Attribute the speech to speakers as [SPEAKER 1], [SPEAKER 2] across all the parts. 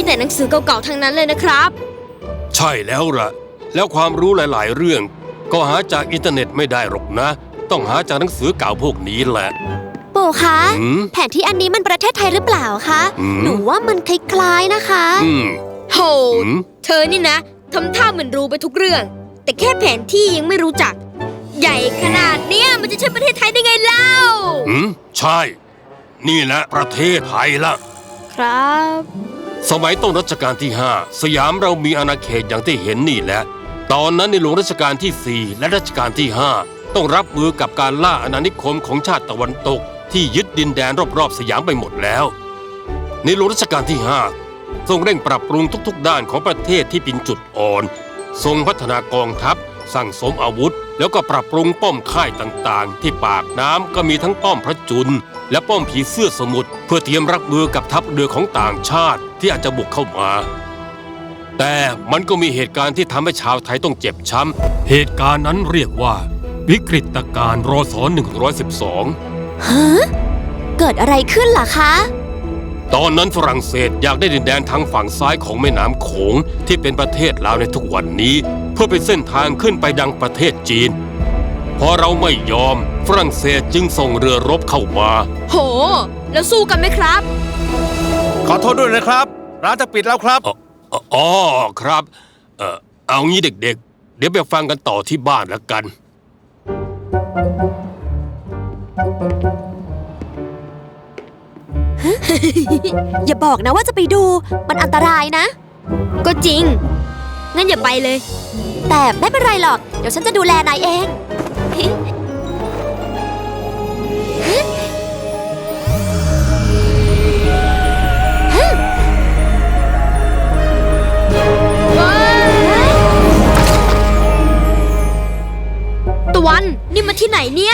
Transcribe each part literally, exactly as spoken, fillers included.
[SPEAKER 1] แต่หนังสือเก่าๆทั้งนั้นเลยนะครับ
[SPEAKER 2] ใช่แล้วล่ะแล้วความรู้หลายๆเรื่องก็หาจากอินเทอร์เน็ตไม่ได้หรอกนะต้องหาจากหนังสือเก่าพวกนี้แหละ
[SPEAKER 3] ปู่คะแผนที่อันนี้มันประเทศไทยหรือเปล่าคะหนูว่ามันคล้ายๆนะคะ
[SPEAKER 1] โหเธอนี่นะทำท่าเหมือนรู้ไปทุกเรื่องแต่แค่แผนที่ยังไม่รู้จักใหญ่ขนาดเนี้ยมันจะใช่ประเทศไทยได้ไงเล่า
[SPEAKER 2] อืมใช่นี่แหละประเทศไทยละ
[SPEAKER 1] ครับ
[SPEAKER 2] สมัยต้นรัชกาลที่ห้าสยามเรามีอาณาเขตอย่างที่เห็นนี่แหละตอนนั้นในหลวงรัชกาลที่สี่และรัชกาลที่ห้าต้องรับมือกับการล่าอาณานิคมของชาติตะวันตกที่ยึดดินแดนรอบๆสยามไปหมดแล้วในหลวงรัชกาลที่ห้าทรงเร่งปรับปรุงทุกๆด้านของประเทศที่เป็นจุดอ่อนทรงพัฒนากองทัพสั่งสมอาวุธแล้วก็ปรับปรุงป้อมค่ายต่างๆที่ปากน้ำก็มีทั้งป้อมพระจุลและป้อมผีเสื้อสมุทรเพื่อเตรียมรับมือกับทัพเรือของต่างชาติที่อาจจะบุกเข้ามาแต่มันก็มีเหตุการณ์ที่ทำให้ชาวไทยต้องเจ็บช้ำเหตุการณ์นั้นเรียกว่าวิกฤตการณ์รศหนึ่งร้อยสิบสอง
[SPEAKER 3] ฮะเกิดอะไรขึ้นล่ะคะ
[SPEAKER 2] ตอนนั้นฝรั่งเศสอยากได้ดินแดนทางฝั่งซ้ายของแม่น้ำโขงที่เป็นประเทศลาวในทุกวันนี้เพื่อเป็นเส้นทางขึ้นไปยังประเทศจีนพอเราไม่ยอมฝรั่งเศสจึงส่งเรือรบเข้ามา
[SPEAKER 1] โหแล้วสู้กันไหมครับ
[SPEAKER 4] ขอโทษด้วยนะครับร้านจะปิดแล้วครับ
[SPEAKER 2] อ๋อครับเออเอางี้เด็กๆเดี๋ยวไปฟังกันต่อที่บ้านแล้วกัน
[SPEAKER 3] อย่าบอกนะว่าจะไปดูมันอันตรายนะ
[SPEAKER 1] ก็จริงงั้นอย่าไปเลย
[SPEAKER 3] แต่ไม่เป็นไรหรอกเดี๋ยวฉันจะดูแลนายเอง
[SPEAKER 1] ตะวันนี่มาที่ไหนเนี่ย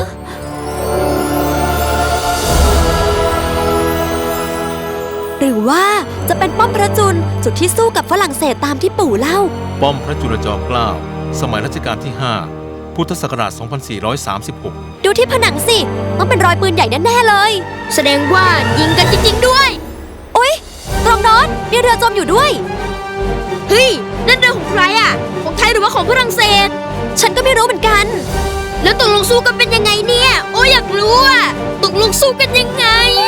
[SPEAKER 3] หรือว่าจะเป็นป้อมพระจุลจุดที่สู้กับฝรั่งเศสตามที่ปู่เล่า
[SPEAKER 4] ป้อมพระจุลจอมเกล้าสมัยรัชกาลที่ห้าพุทธศักราชสองพันสี่ร้อยสามสิบหก
[SPEAKER 3] ดูที่ผนังสิต้องเป็นรอยปืนใหญ่แน่ๆเลย
[SPEAKER 1] แสดงว่ายิงกันจริงๆด้วย
[SPEAKER 3] โอ๊ยตรงโน้นมีเรือจมอยู่ด้วย
[SPEAKER 1] เฮ้ยนั่นเรือของใครอ่ะของไทยหรือว่าของฝรั่งเศส
[SPEAKER 3] ฉันก็ไม่รู้เหมือนกัน
[SPEAKER 1] แล้วตกลงสู้กันเป็นยังไงเนี่ยโอ้อยากรู้อ่ะตกลงสู้กันยังไง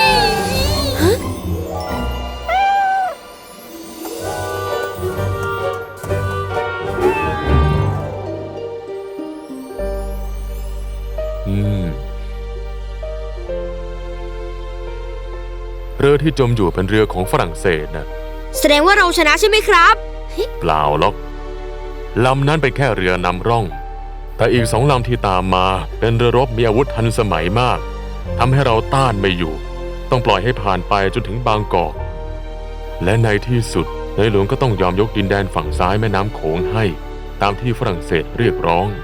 [SPEAKER 5] เรือที่จมอยู่เป็นเรือของฝรั่งเศสนะ
[SPEAKER 1] แสดงว่าเราชนะใช่ไหมครับ
[SPEAKER 5] เปล่าหรอกลำนั้นเป็นแค่เรือนำร่องแต่อีกสองลำที่ตามมาเป็นเรือรบมีอาวุธทันสมัยมากทำให้เราต้านไม่อยู่ต้องปล่อยให้ผ่านไปจนถึงบางกอกและในที่สุดในหลวงก็ต้องยอมยกดินแดนฝั่งซ้ายแม่น้ำโขงให้ตามที่ฝรั่งเศสเรียกร้อง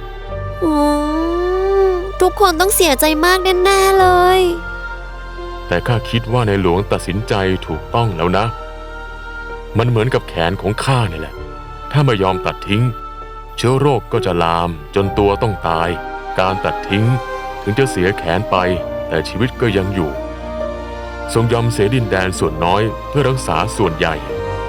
[SPEAKER 3] ทุกคนต้องเสียใจมากแน่ๆเลย
[SPEAKER 5] แต่ข้าคิดว่าในหลวงตัดสินใจถูกต้องแล้วนะมันเหมือนกับแขนของข้านี่แหละถ้าไม่ยอมตัดทิ้งเชื้อโรคก็จะลามจนตัวต้องตายการตัดทิ้งถึงจะเสียแขนไปแต่ชีวิตก็ยังอยู่ทรงยอมเสียดินแดนส่วนน้อยเพื่อรักษาส่วนใหญ่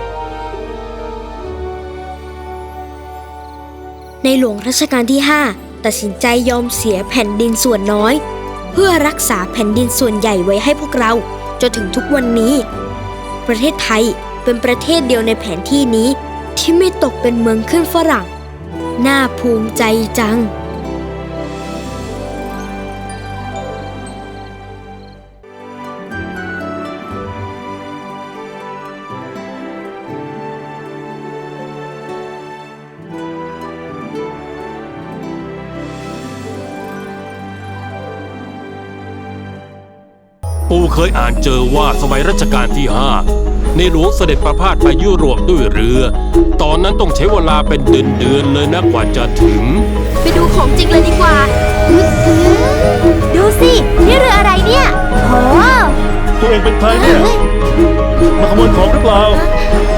[SPEAKER 1] ในหลวงรัชกาลที่ห้าตัดสินใจยอมเสียแผ่นดินส่วนน้อยเพื่อรักษาแผ่นดินส่วนใหญ่ไว้ให้พวกเราจนถึงทุกวันนี้ประเทศไทยเป็นประเทศเดียวในแผนที่นี้ที่ไม่ตกเป็นเมืองขึ้นฝรั่งน่าภูมิใจจัง
[SPEAKER 2] ปู่เคยอ่านเจอว่าสมัยรัชกาลที่ห้าในหลวงเสด็จประพาสไปยุโรปด้วยเรือตอนนั้นต้องใช้เวลาเป็นเดือนๆเลยนะกว่าจะถึง
[SPEAKER 1] ไปดูของจริงเลยดีกว่า
[SPEAKER 3] ดูสินี่เรืออะไรเนี่ยโอ้
[SPEAKER 6] ตัวเองเป็นใครเนี่ยมาขโมยของหรือเปล่า